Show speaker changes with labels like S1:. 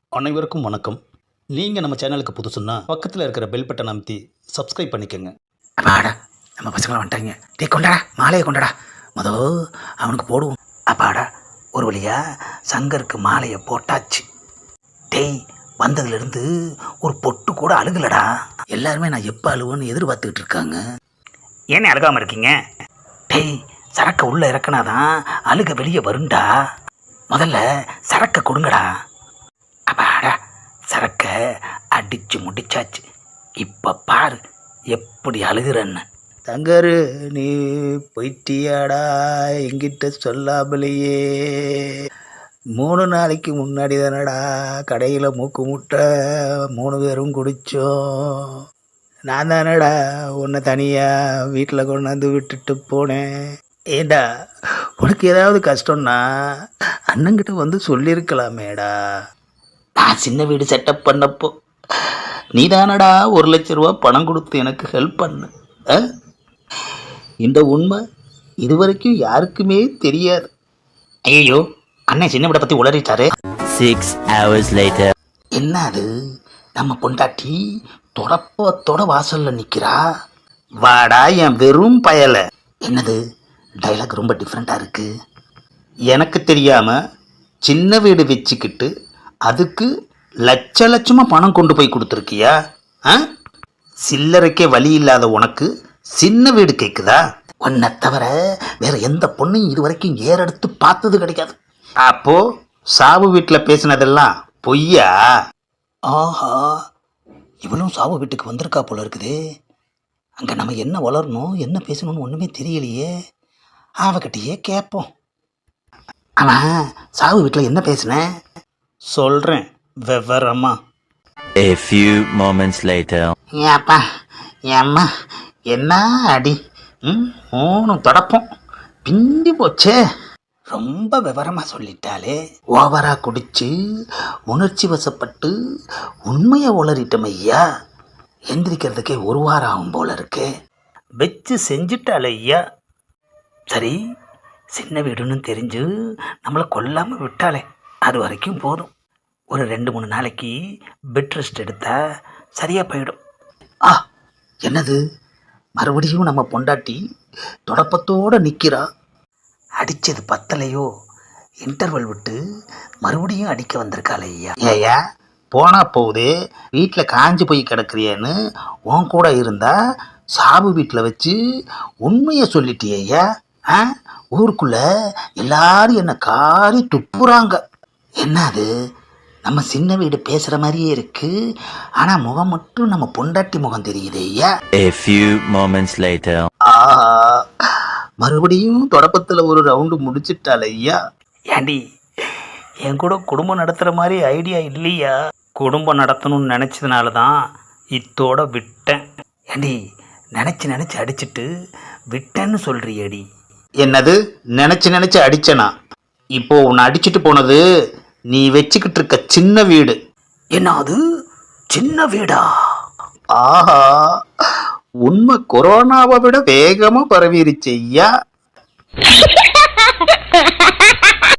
S1: அனைவருக்கும் வணக்கம். நீங்கள் நம்ம சேனலுக்கு புதுசுன்னா பக்கத்தில் இருக்கிற பெல் பட்டன் அமைத்தி சப்ஸ்கிரைப் பண்ணிக்கோங்க.
S2: அப்பாடா, நம்ம பசங்களை வந்துட்டாங்க. டேய் கொண்டாடா, மாலையை கொண்டாடா. அவனுக்கு போடுவோம். அப்பாடா, ஒரு வழியா சங்கருக்கு மாலையை போட்டாச்சு. டேய், வந்ததுலேருந்து ஒரு பொட்டு கூட அழுகலடா. எல்லாருமே நான் எப்போ அழுவேன்னு எதிர்பார்த்துக்கிட்டு இருக்காங்க. ஏன்னு அழுகாமல் இருக்கீங்க? டேய், சரக்கை உள்ளே இறக்குனாதான் அழுக வெளியே வருண்டா. முதல்ல சரக்கை கொடுங்கடா. அப்பாடா, சரக்கை அடித்து முடிச்சாச்சு. இப்போ பாரு எப்படி அழுகிறன்னு. தங்கரு, நீ போயிட்டியாடா என்கிட்ட சொல்லாமலேயே? 3 நாளைக்கு முன்னாடி தானடா கடையில் மூக்கு முட்டை 3 பேரும் குடித்தோம். நான் தானடா உன்னை தனியாக வீட்டில் கொண்டாந்து விட்டுட்டு போனேன். ஏண்டா, உனக்கு ஏதாவது கஷ்டம்னா அண்ணங்கிட்ட வந்து சொல்லியிருக்கலாமேடா. நான் சின்ன வீடு செட்டப் பண்ணப்போ நீ தானடா 1 லட்ச ரூபா பணம் கொடுத்து எனக்கு ஹெல்ப் பண்ணு. இந்த உண்மை இதுவரைக்கும் யாருக்குமே தெரியாது. ஐயோ, அண்ணன் சின்ன வீடை பற்றி உளறிட்டாரு.
S3: 6 hours later.
S2: என்ன அது, நம்ம பொண்டாட்டி தொடப்பத்தோட வாசல்ல நிற்கிறா. வாடா என் வெறும் பயலை. என்னது, டைலாக் ரொம்ப டிஃப்ரெண்ட்டாக இருக்கு.
S1: எனக்கு தெரியாமல் சின்ன வீடு வச்சுக்கிட்டு அதுக்கு லட்சமாக பணம் கொண்டு போய் கொடுத்துருக்கியா? சில்லறைக்கே வழி இல்லாத உனக்கு சின்ன வீடு கேட்குதா?
S2: உன்னை தவிர வேற எந்த பொண்ணையும் இது வரைக்கும் ஏறெடுத்து பார்த்தது கிடைக்காது.
S1: அப்போ சாவு வீட்டில் பேசினதெல்லாம் பொய்யா?
S2: ஆஹா, இவளும் சாவு வீட்டுக்கு வந்திருக்கா போல இருக்குது. அங்கே நம்ம என்ன வளரணும் என்ன பேசணும்னு ஒன்றுமே தெரியலையே. அவகிட்டயே கேட்போம். அவன் சாவு வீட்டில் என்ன பேசினேன்
S1: சொல்கிறேன் விவரமா.
S3: A few moments later.
S2: ஏப்பா ஏம்மா, என்ன அடி, 3 தொடப்பம் பிந்தி போச்சே. ரொம்ப விவரமாக சொல்லிட்டாலே. ஓவராக குடிச்சு உணர்ச்சி வசப்பட்டு உண்மையை உளறிட்டோம் ஐயா. எந்திரிக்கிறதுக்கே 1 வாரம் ஆகும் போல இருக்கு. வச்சு செஞ்சுட்டாலே ஐயா. சரி, சின்ன வீடுன்னு தெரிஞ்சு நம்மளை கொல்லாமல் விட்டாலே அது வரைக்கும் போதும். ஒரு 2-3 நாளைக்கு பெட் ரெஸ்ட் எடுத்தால் சரியாக போயிடும். என்னது, மறுபடியும் நம்ம பொண்டாட்டி தொடப்பத்தோடு நிற்கிறா. அடித்தது பத்தலையோ, இன்டர்வல் விட்டு மறுபடியும் அடிக்க வந்திருக்காளே ஐயா.
S1: ஏயா போனா போகுதே, வீட்டில் காஞ்சி போய் கிடக்குறியேன்னு உன் கூட இருந்தா சாவு வீட்டில் வச்சு உண்மையை சொல்லிட்டியா?
S2: ஊருக்குள்ள எல்லாரும் என்ன காரி துப்புறாங்க. என்ன அது, நம்ம சின்ன வீடு பேசுகிற மாதிரியே இருக்கு. ஆனால் முகம் மட்டும் நம்ம பொண்டாட்டி முகம் தெரியுது ஐயா.
S3: A few moments later.
S1: மறுபடியும் தொடப்பத்தில் ஒரு ரவுண்டு முடிச்சிட்டால ஐயா.
S2: ஏண்டி, என் கூட குடும்பம் நடத்துகிற மாதிரி ஐடியா இல்லையா?
S1: குடும்பம் நடத்தணும்னு நினச்சதுனால தான் இத்தோட விட்டேன்.
S2: ஏண்டி, நினச்சி அடிச்சிட்டு விட்டேன்னு சொல்கிறியடி.
S1: என்னது, நினச்சி அடிச்சனா? இப்போ உன்னை அடிச்சுட்டு போனது நீ வச்சுக்கிட்டு இருக்க சின்ன வீடு.
S2: என்ன அது, சின்ன வீடா?
S1: ஆஹா, உண்மை கொரோனாவை விட வேகமாக பரவிருச்சு ஐயா.